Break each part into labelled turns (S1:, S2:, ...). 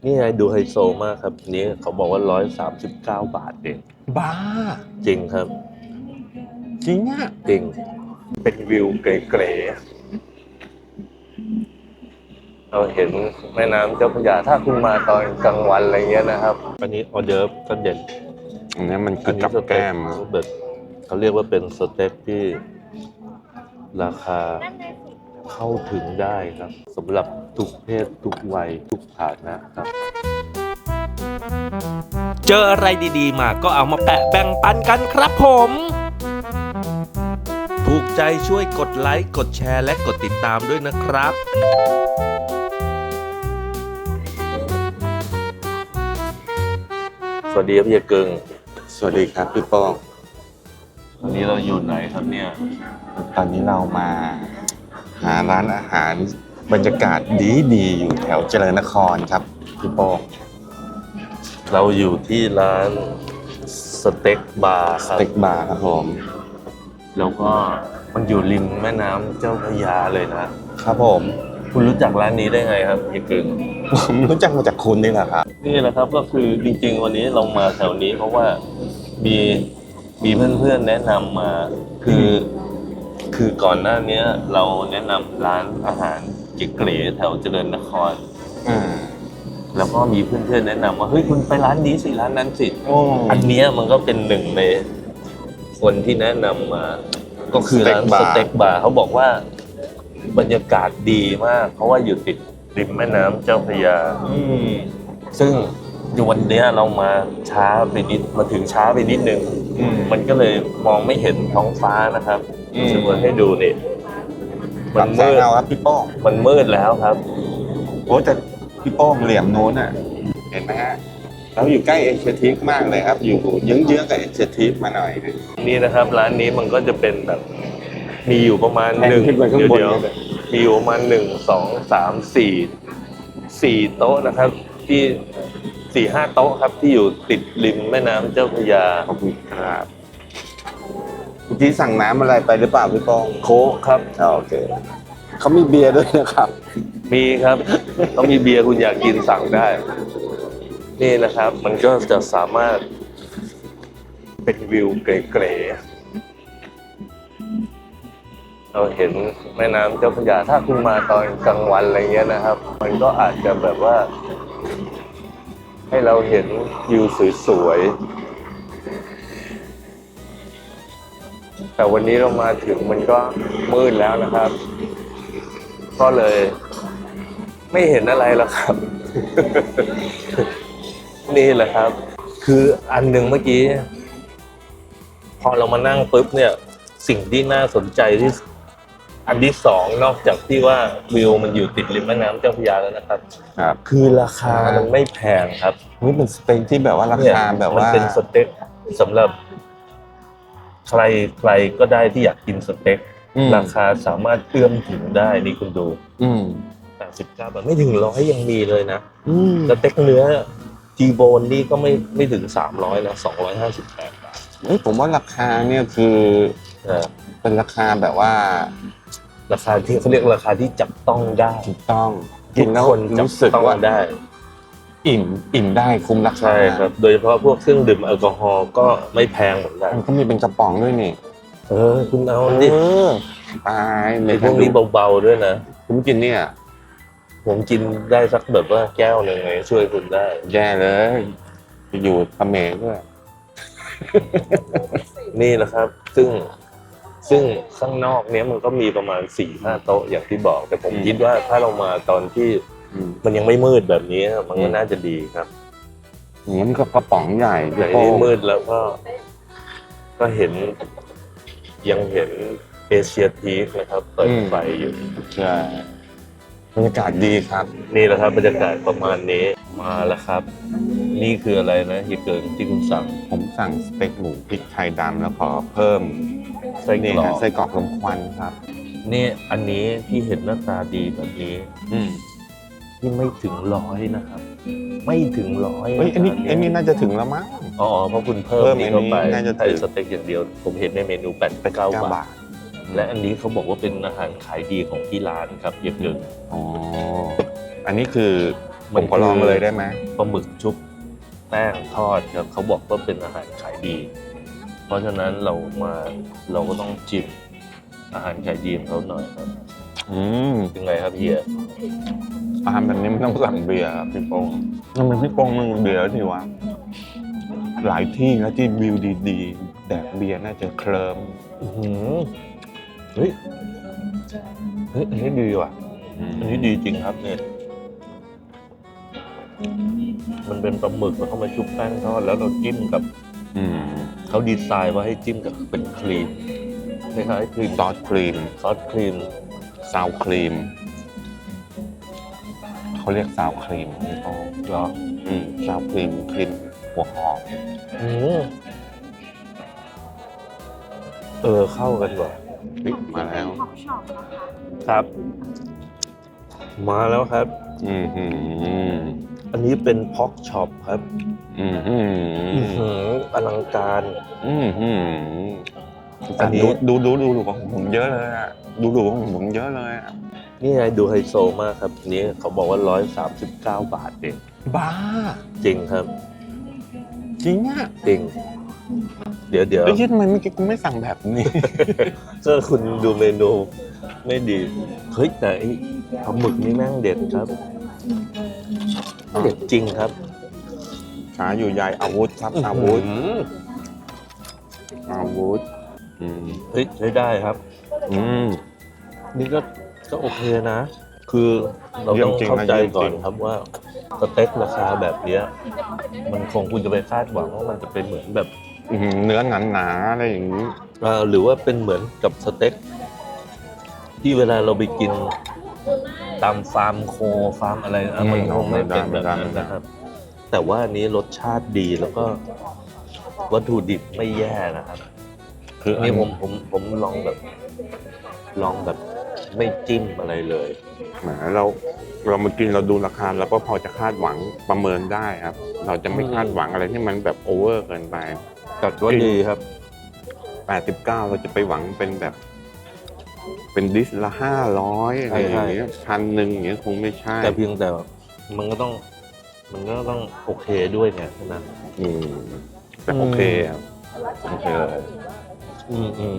S1: นี่ไงดูไฮโซมากครับนี้เขาบอกว่า139 บาทเอง
S2: บ้า
S1: จริงครับ
S2: จริงอ่ะ
S1: จริงเป็นวิวเก๋ๆเราเห็นแม่น้ำเจ้าพระยาถ้าคุณมาตอนกลางวันอะไรเงี้ยนะครับอันนี้ออเดิร์ฟก็เด่น
S2: อันนี้มันคือกับแก้ม
S1: แบบเขาเรียกว่าเป็นสเต็กที่ราคาเข้าถึงได้ครับสำหรับทุกเพศทุกวัยทุกฐานะครับ
S3: เจออะไรดีๆมาก็เอามาแปะแบ่งปันกันครับผม ถูกใจช่วยกดไลค์กดแชร์และกดติดตามด้วยนะครับ
S1: สวัสดีครับพี่เกิง
S2: สวัสดีครับพี่โป้ง
S1: วันนี้เราอยู่ไหนครับเนี่ย
S2: ตอนนี้เรามาหาร้านอาหารบรรยากาศดีๆอยู่แถวเจริญนครครับพี่โป้ง
S1: เราอยู่ที่ร้านสเต็กบาร์ค
S2: ส
S1: รับ
S2: เต็กบาร์ครับผม
S1: แล้วก็มันอยู่ริมแม่น้ำเจ้าพระยาเลยนะครับ
S2: ผม
S1: คุณรู้จักร้านนี้ได้ไงครับพี่เกิง
S2: ผมรู้จักมาจากคุณนี่แหละครับ
S1: นี่แหละครับก็คือจริงๆวันนี้เรามาแถวนี้เพราะว่ามีเพื่อนๆแนะนำมาคือก่อนหน้านี้เราแนะนำร้านอาหารเก๋ๆแถวเจริญนคร แล้วก็มีเพื่อนๆแนะนำว่าเฮ้ยคุณไปร้านนี้สิร้านนั้นสิอันเนี้ยมันก็เป็นหนึ่งในคนที่แนะนำมาก็คือร้านสเต็กบาร์เขาบอกว่าบรรยากาศดีมากเพราะว่าอยู่ติดริมแม่น้ำเจ้าพระยาซึ่งวันเนี้ยเรามาช้าไปนิดมาถึงช้าไปนิดนึงมันก็เลยมองไม่เห็นท้องฟ้านะครับจะมาให้ดูนี่
S2: มันมืดครับพี่โป้ง
S1: มันมืดแล้วครับ
S2: โอ้แต่พี่โป้งเหลี่ยมโน้นอ่ะเห็นไหมฮะเราอยู่ใกล้เอเชียทิกมากเลยครับอยู่เยื้องๆกับเอเชียทิกมาหน่อยนึง
S1: นี่นะครับร้านนี้มันก็จะเป็นแบบมีอยู่ประมาณ
S2: แทน
S1: หนึ่ง
S2: ขึ้นไปข้างบน
S1: เดี๋ยวมีอยู่ประมาณ4 โต๊ะนะครับที่4-5 โต๊ะครับที่อยู่ติดริมแม่น้ำเจ้าพระยา
S2: ขอบคุณครับเมื่อกี้สั่งน้ำอะไรไปหรือเปล่าพี่โป้ง
S1: โค้กครับ
S2: โอเคเขามีเบียร์ด้วยนะครับ
S1: มีครับต้องมีเบียร์คุณอยากกินสั่งได้ นี่นะครับ มันก็จะสามารถเป็นวิวเก๋ๆเราเห็นแม่น้ำเจ้าพระยาถ้าคุณมาตอนกลางวันอะไรเงี้ยนะครับ มันก็อาจจะแบบว่า ให้เราเห็นวิวสวยๆแต่วันนี้เรามาถึงมันก็มืดแล้วนะครับ ก็เลยไม่เห็นอะไรแล้วครับ นี่แหละครับ คืออันหนึ่งเมื่อกี้ พอเรามานั่งปุ๊บเนี่ย สิ่งที่น่าสนใจที่อันที่สองนอกจากที่ว่าวิวมันอยู่ติดริมแม่น้ำเจ้าพระยาแล้วนะครับ
S2: ครับ
S1: คือราคามันไม่แพงครับ
S2: นี่เป็นสเต็กที่แบบว่าราคาแบบว่า
S1: มันเป็นสเต็กสำหรับใครก็ได้ที่อยากกินสเต็กราคาสามารถเอื้อมถึงได้นี่คุณดู89 บาทไม่ถึง100ยังมีเลยนะสเต็กเนื้อจีโบนนี่ก็ไม่ถึง300นะ258 บาท
S2: ผมว่าราคาเนี่ยคือเป็นราคาแบบว่า
S1: ราคาที่เขาเรียกราคาที่จับต้องได้
S2: ถูกต้อง
S1: กินแล้วรู้สึกว่าได้
S2: อิ่มได้คุ้มราคา
S1: ใช่ครับโดยเฉพาะพวกเครื่องดื่มแอลกอฮอล์ก็ไม่แพงเหมือนกัน
S2: มันก็มีเป็นกระป๋องด้วยนี่
S1: คุณเอาดิ
S2: ตาย
S1: ในพวกนี้เบาๆด้วยนะ
S2: ผมกินเนี่ย
S1: ผมกินได้สักแบบว่าแก้วหนึ่งไงช่วยคุณได้
S2: แย่เลยอยู่เขมรด้วย
S1: นี่นะครับ ซึ่งข้างนอกเนี้ยมันก็มีประมาณ 4-5 โต๊ะอย่างที่บอกแต่ผมคิดว่าถ้าเรามาตอนที่มันยังไม่มืดแบบนี้มันก็น่าจะดีครับ
S2: มันก็กระป๋องใหญ่
S1: แต่ที่มืดแล้วก็ยังเห็นเอเชียทีคนะครับเปิดไฟอยู่
S2: ใช่บรรยากาศดีครับ
S1: นี่แหละครับบรรยากาศประมาณนี้มาแล้วครับนี่คืออะไรนะเฮียเกิงที่คุณสั่ง
S2: ผมสั่งสเต็กหมูพริกไทยดำแล้วขอเพิ่มไส้กรอกลมควันครับ
S1: นี่อันนี้ที่เห็นหน้าตาดีแบบนี้ที่ไม่ถึง100นะครับไม่ถึง100
S2: อันนี้น่าจะถึงแล้วมั้ง
S1: เพราะคุณเพิ่มนี่เข้าไปใช้สเต็กอย่างเดียวผมเห็นในเมนู89 บาทและอันนี้เขาบอกว่าเป็นอาหารขายดีของที่ร้านครับเฮียเกิง
S2: อันนี้คือผมขอลองเลยได้ไหม
S1: ปลาหมึกชุบแป้งทอดครับเขาบอกว่าเป็นอาหารขายดี เพราะฉะนั้นเราก็ต้องจิ้มอาหารขายดีของเขาหน่อยครับ
S2: อืม
S1: ยังไงครับเฮีย
S2: อาหารแบบนี้มันต้องสั่งเบียร์ครับพี่โป้งทำไมพี่โป้งมันเบียร์ทีวะหลายที่แล้วที่วิวดีๆแดกเบียร์น่าจะเคลิ้ม
S1: อื้อหือเฮ้ยอันนี้ดีว่ะ อันนี้ดีจริงครับเนี่ยมันเป็นปลาหมึกแล้วเข้ามาชุบแป้งทอดแล้วเราจิ้มกับ
S2: อืม
S1: เขาดีไซน์ว่าให้จิ้มกับเป็นครีมคล้ายๆครีม
S2: ซอสครีม
S1: ซอสครีม
S2: ซาวครีมเขาเรียกซาวครีมพี่โป้ง
S1: เหรอ
S2: ซาวครีมหัวหอม
S1: อืมเข้ากันว่ะ
S2: มาแล้ว
S4: ของช็อปนะคะ
S1: ครับ มาแล้วครับ
S2: อืมอืม
S1: อันนี้เป็นพ็อกช็อปครับ
S2: อืมอืม
S1: อื้อหืออลังการ
S2: อืมอืม
S1: อันนี้
S2: ดูของผมเยอะเลยอ่ะดูของผมเยอะเลยอ่ะ
S1: นี่ไงดูไฮโซมากครับอันนี้เขาบอกว่า139 บาทเอง
S2: บ้า
S1: จริงครับ
S2: จริงอ่ะ
S1: จริง เดี๋ยว
S2: แล้วทำไมเมื่อกี้กูไม่สั่งแบบนี้
S1: ก็คุณดูเมนูไม่ดี เฮ้ยแต่ไอ้ปลาหมึกนี่แม่งเด็ดครับ เด็ดจริงครับ
S2: หาอยู่ใหญ่อาวุธครับอาวุธ
S1: อื้อหือ
S2: อาวุธอืม
S1: เฮ้ยใช้ได้ครับ
S2: อืม
S1: นี่ก็โอเคนะ คือเราต้อง
S2: เยี่ยมจริงนะ
S1: เข้าใจก่อน
S2: เยี่ยมจริง
S1: ครับว่าสเต็กราคาแบบเนี้ยมันคงคุณจะไปคาดหวังว่ามันจะเป็นเหมือนแบบ
S2: เนื้อหนาๆอะไรอย่างนี้
S1: หรือว่าเป็นเหมือนกับสเต็กที่เวลาเราไปกินตามฟาร์มโคฟาร์มอะไรนะมันคงไม่เป็นแบบนั้นนะครับ แต่ว่าอันนี้รสชาติดีแล้วก็วัตถุดิบไม่แย่นะครับ
S2: คืออัน
S1: นี่ผมลองแบบไม่จิ้มอะไรเลย
S2: แหมเรามากินเราดูราคาเราก็พอจะคาดหวังประเมินได้ครับ เราจะไม่คาดหวังอะไรที่มันแบบโอเวอร์เกินไป
S1: จัดว่าดีครับ
S2: 89เราจะไปหวังเป็นแบบ เป็นดิสละ500อะไรอย่างเงี้ย1,000อย่างเงี้ยคงไม่ใช่
S1: แต่เพียงแต่มันก็ต้องโอเคด้วยไงใช่ไหม
S2: อืมแต่โอเคครับโอเคเลย
S1: อืม
S2: อืม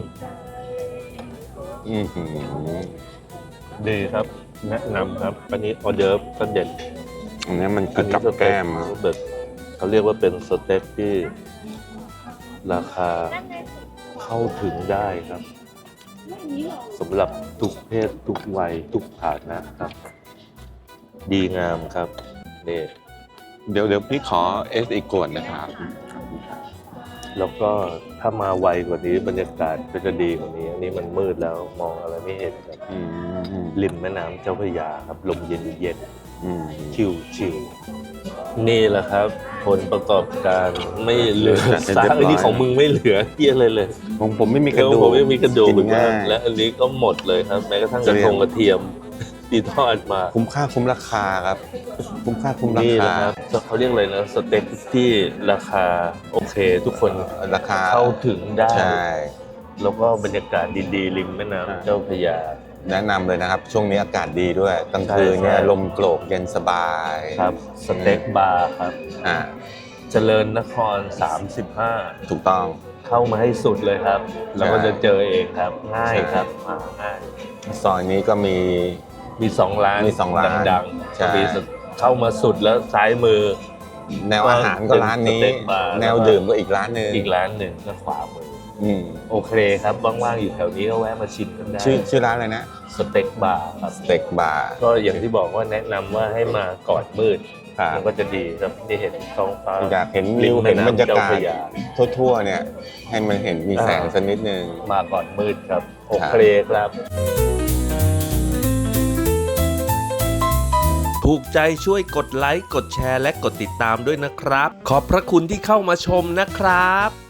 S1: ดีครับ แนะนำครับ อันนี้ออเดิร์ฟก็เด็ด
S2: อันนี้มันคือกับแก้มครับ
S1: แบบเขาเรียกว่าเป็นสเต็กที่ราคาเข้าถึงได้ครับสำหรับทุกเพศทุกวัยทุกฐานะครับ ดีงามครับนี่
S2: เดี๋ยวพี่ขอเอสอีกขวดนะครับ
S1: แล้วก็ถ้ามาไวกว่านี้บรรยากาศก็จะดีกว่านี้ อันนี้มันมืดแล้วมองอะไรไม่เห็นครับ
S2: อืม
S1: ริมแม่น้ำเจ้าพระยาครับลมเย็นเย็น
S2: อืม
S1: ชิวนี่แหละครับ ผลประกอบการไม่เหลือซากอันนี้ของมึงไม่เหลือเหี้ยอะไรเลย
S2: ผมไม่มีกระดูก
S1: ผมไม่มีกระดูก
S2: กิ
S1: เหมือน
S2: น
S1: กั
S2: ง่าน ย
S1: และอันนี้ก็หมดเลยครับ แม้กระทั่งกระเทียมที่ทอดมา
S2: คุ้มค่าคุ้มราคาครับ คุ้มค่าคุ้มรา
S1: นี่
S2: คา
S1: นะครับเขาเรียกอะไรนะสเต็กที่ราคาโอเค ทุกคน
S2: ราคา
S1: เข้าถึงได้
S2: ใช่
S1: แล้วก็บรรยากาศดีๆริมแม่น้ำเจ้าพระยา
S2: แนะนำเลยนะครับ ช่วงนี้อากาศดีด้วยกลางคืนเนี่ย
S1: ใช่
S2: ลมโกรกเย็นสบาย
S1: ครับสเต็กบาร์ครับ
S2: อ่า
S1: เจริญนคร 35
S2: ถูกต้อง
S1: เข้ามาให้สุดเลยครับ แล้วก็จะเจอเองครับ ง่ายครับมาง่าย
S2: ซอยนี้ก็มี
S1: มี2 ร้าน
S2: มี2ร้าน
S1: ดัง
S2: ใช่
S1: ๆมีเข้ามาสุดแล้วซ้ายมือ
S2: แนวอาหารก็ร้านนี้
S1: เป็นสเต็กบาร์
S2: แนวดื่มก็อีกร้านหนึ่ง
S1: อีกร้านหนึ่งก็ขวามือ
S2: อืม
S1: โอเคครับว่างๆอยู่แถวนี้ก็แวะมาชิมกันได้
S2: ชื่อร้านอะไรนะ
S1: สเต็กบาร์ครับ
S2: สเต็กบาร์
S1: ก็อย่างที่บอกว่าแนะนำว่าให้มาก่อนมืด
S2: ครับ
S1: มันก็จะดีครับได้เห็นท้องฟ้า
S2: อยากเห็น
S1: ริ
S2: วิ
S1: ม
S2: ว
S1: แม่
S2: เห็น
S1: น้ำ
S2: บรรยากาศ
S1: เจ้าพระยา
S2: ทั่วๆเนี่ย ให้มันเห็นมีแสงสักนิดนึง
S1: มาก่อนมืดครับ โอเคครับ
S3: ถูกใจช่วยกดไลค์ กดแชร์และกดติดตามด้วยนะครับ ขอบพระคุณที่เข้ามาชมนะครับ